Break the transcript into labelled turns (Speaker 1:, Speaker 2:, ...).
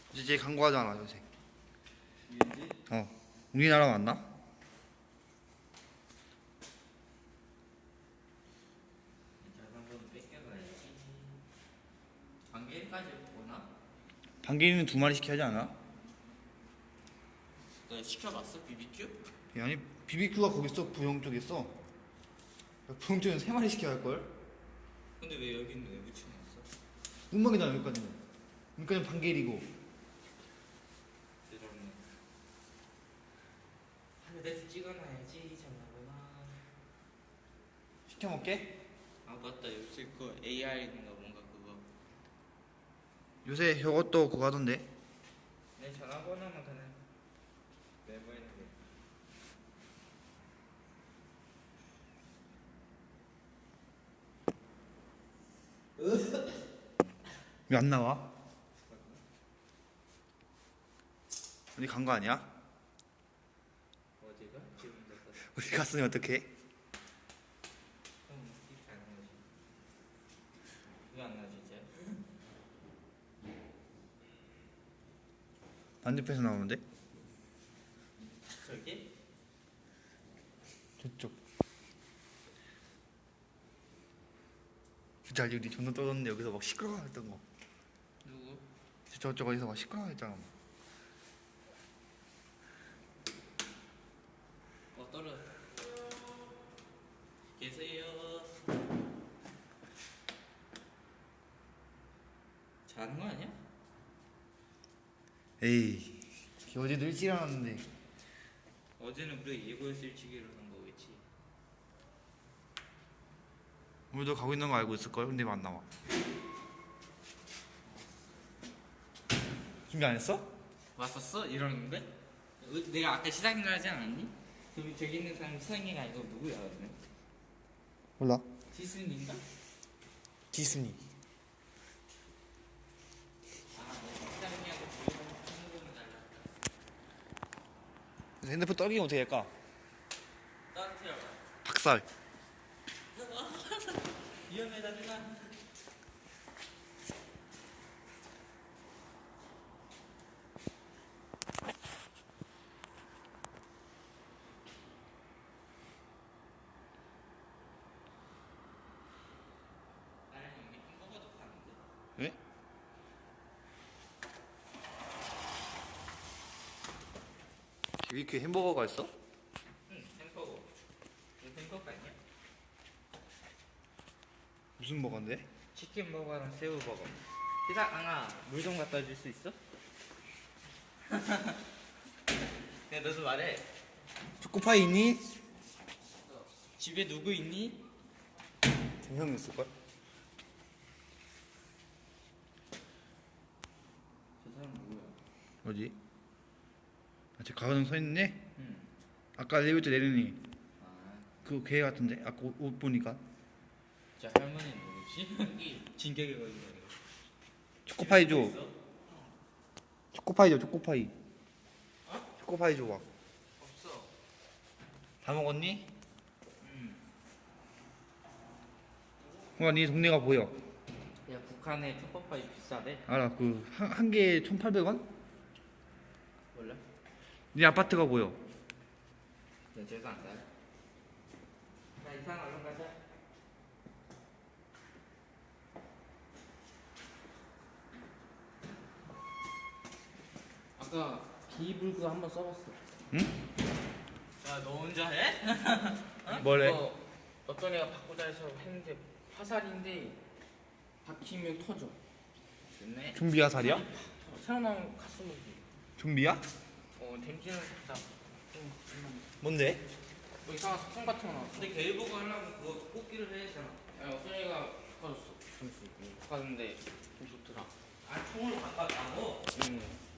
Speaker 1: 이제 광고하잖아 요새.
Speaker 2: 유엔지?
Speaker 1: 우리나라 맞나?
Speaker 2: 자전거는 뺏겨가야지. 반개까지 오나?
Speaker 1: 반개는 2마리 시켜야 하지 않아?
Speaker 2: 너 시켜봤어? BBQ?
Speaker 1: 아니 BBQ가 거기 있어. 부영 쪽에 있어. 부영 쪽에는 3마리 시켜야 할걸?
Speaker 2: 근데 왜 여기는 왜 붙여놨어?
Speaker 1: 운명이잖아 여기까지는. 여기까지는 반개이고.
Speaker 2: 이러면 하늘에서 찍어놔야지 전화번호.
Speaker 1: 시켜 먹게?
Speaker 2: 아 맞다 요새 그 AR인가 뭔가 그거
Speaker 1: 요새 이것도 그거 하던데.
Speaker 2: 내 전화번호만 그냥 내보이는 게
Speaker 1: 왜 안 나와? 어디 간 거 아니야?
Speaker 2: 어디가? 지금 됐어.
Speaker 1: 어디 갔으면 어떡해?
Speaker 2: 잘안 나지. 왜 안 나지 이제?
Speaker 1: 반대편에서 나오는데?
Speaker 2: 저기?
Speaker 1: 저쪽. 진짜 우리 존나 떠졌는데 여기서 막 시끄러워 했던 거.
Speaker 2: 누구?
Speaker 1: 저쪽 어디서 막 시끄러워 했잖아.
Speaker 2: 떨어. 계세요. 자는 거 아니야?
Speaker 1: 에이 어제도 일찍 일어났는데.
Speaker 2: 어제는 우리 예고해서 일찍 일어난 거겠지.
Speaker 1: 오늘도 가고 있는 거 알고 있을걸? 근데 왜 안 나와? 준비 안 했어?
Speaker 2: 왔었어? 이러는데? 내가 아까 시상을 하지 않았니? 그럼 저기 있는 사람이 시상이가 아니고 누구야? 그러면?
Speaker 1: 몰라.
Speaker 2: 지순인가?
Speaker 1: 지순이.
Speaker 2: 아, 시상이하고 주위에서 한국은 달랐다.
Speaker 1: 핸드폰 떨기면 어떻게 할까?
Speaker 2: 따뜻해요.
Speaker 1: 박살.
Speaker 2: 위험해다 누나. 나는 여기 햄버거도 파는데.
Speaker 1: 왜? BBQ 햄버거가 있어?
Speaker 2: 응, 햄버거. 이거 햄버거 아니야?
Speaker 1: 무슨 버거인데?
Speaker 2: 치킨 버거랑 새우 버거. 희상아, 물 좀 갖다 줄 수 있어? 야, 너도 말해.
Speaker 1: 초코파이 있니?
Speaker 2: 집에 누구 있니?
Speaker 1: 형 있을걸?
Speaker 2: 저 사람 누구야?
Speaker 1: 어디? 아, 저 가로등 서 있네?
Speaker 2: 응.
Speaker 1: 아까 엘리베이터 내리니
Speaker 2: 아,
Speaker 1: 그 걔 같은데? 아까 옷 보니까
Speaker 2: 저 할머니는 누구지? 진격의 거인이야.
Speaker 1: 초코파이 줘.
Speaker 2: 있어?
Speaker 1: 초코파이 줘. 초코파이.
Speaker 2: 어?
Speaker 1: 초코파이 줘 봐.
Speaker 2: 없어.
Speaker 1: 다 먹었니?
Speaker 2: 응.
Speaker 1: 뭔가 네 동네가 보여.
Speaker 2: 야, 북한의 초코파이 비싸대?
Speaker 1: 알아. 그 한 개에 1,800원?
Speaker 2: 몰라?
Speaker 1: 네 아파트가 보여.
Speaker 2: 연세도 안 돼. 자, 이상 얼른 가자. 아까 기불그 한번 써봤어.
Speaker 1: 응?
Speaker 2: 야, 너 혼자 해? 어?
Speaker 1: 뭘 해?
Speaker 2: 그거 어떤 애가 바꾸자 해서 했는데 화살인데 박히면 터져. 됐네.
Speaker 1: 좀비야 살이야?
Speaker 2: 새로 나온 가스무기.
Speaker 1: 좀비야?
Speaker 2: 댐지는 살짝 좀
Speaker 1: 뭔데?
Speaker 2: 뭐 이상한 소품 같은 거 나왔어. 근데 개일보고 하려면 그거 뽑기를 해야 되잖아. 아니 어떤 애가 바꿔줬어. 점수 바꿨는데 좀 좋더라. 아 총으로 바꿨다고? 응.